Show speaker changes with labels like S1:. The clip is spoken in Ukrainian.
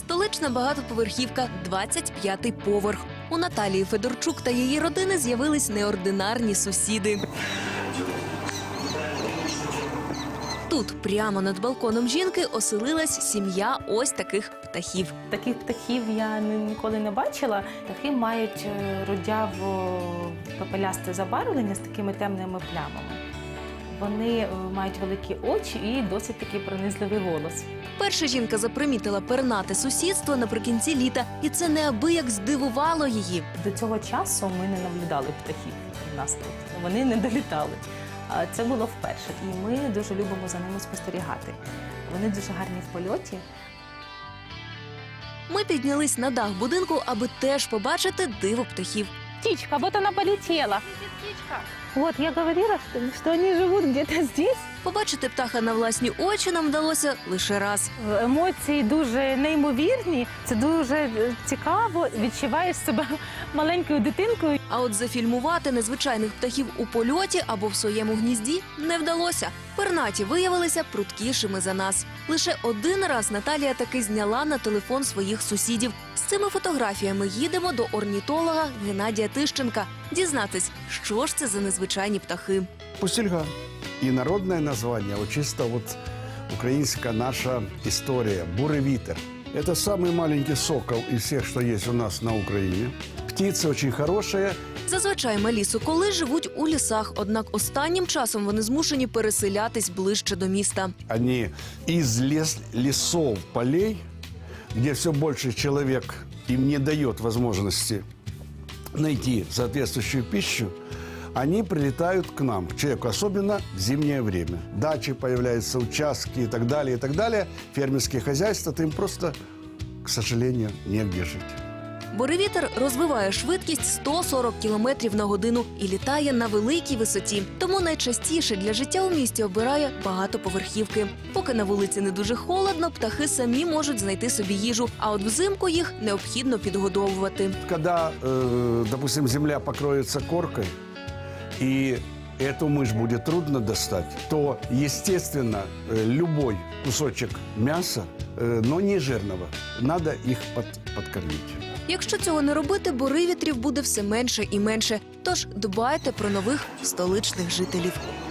S1: Столична багатоповерхівка, 25-й поверх. У Наталії Федорчук та її родини з'явились неординарні сусіди. Тут, прямо над балконом жінки, оселилась сім'я ось таких птахів.
S2: Таких птахів я ніколи не бачила. Птахи мають рудяво-пепелясте забарвлення з такими темними плямами. Вони мають великі очі і досить такий пронизливий голос.
S1: Перша жінка запримітила пернате сусідство наприкінці літа, і це неабияк здивувало її.
S2: До цього часу ми не наблюдали птахів у нас тут. Вони не долітали. Це було вперше, і ми дуже любимо за ними спостерігати. Вони дуже гарні в польоті.
S1: Ми піднялись на дах будинку, аби теж побачити диво птахів.
S2: Птичка, вот она полетела. Вот, я говорила, что они живут где-то здесь.
S1: Побачити птаха на власні очі нам вдалося лише раз.
S2: Емоції дуже неймовірні, це дуже цікаво, відчуваєш себе маленькою дитинкою.
S1: А от зафільмувати незвичайних птахів у польоті або в своєму гнізді не вдалося. Пернаті виявилися пруткішими за нас. Лише один раз Наталія таки зняла на телефон своїх сусідів. З цими фотографіями їдемо до орнітолога Геннадія Тищенка дізнатись, що ж це за незвичайні птахи.
S3: Пустельга. И народное название, вот чисто вот украинская наша история, бурый витер. Это самый маленький сокол из всех, что есть у нас на Украине. Птица очень хорошая.
S1: Зазвичай малі соколи живуть у лісах, однак останнім часом вони змушені переселятись ближче до міста.
S3: Они из лесов, полей, где все больше человек им не дает возможности найти соответствующую пищу, они прилетают к нам, к человеку, особенно в зимнее время. Дачи появляются, участки и так далее, и так далее. Фермерские хозяйства, то им просто, к сожалению, негде жить.
S1: Буревітер розвиває швидкість 140 км на годину і літає на великій висоті. Тому найчастіше для життя у місті обирає багатоповерхівки. Поки на вулиці не дуже холодно, птахи самі можуть знайти собі їжу, а от взимку їх необхідно підгодовувати.
S3: Когда, допустим, земля покроется коркой, и эту мышь будет трудно достать, то, естественно, любой кусочек мяса, но не жирного, надо их подкормить.
S1: Якщо цього не робити, буревітрів буде все менше і менше. Тож дбайте про нових столичних жителів.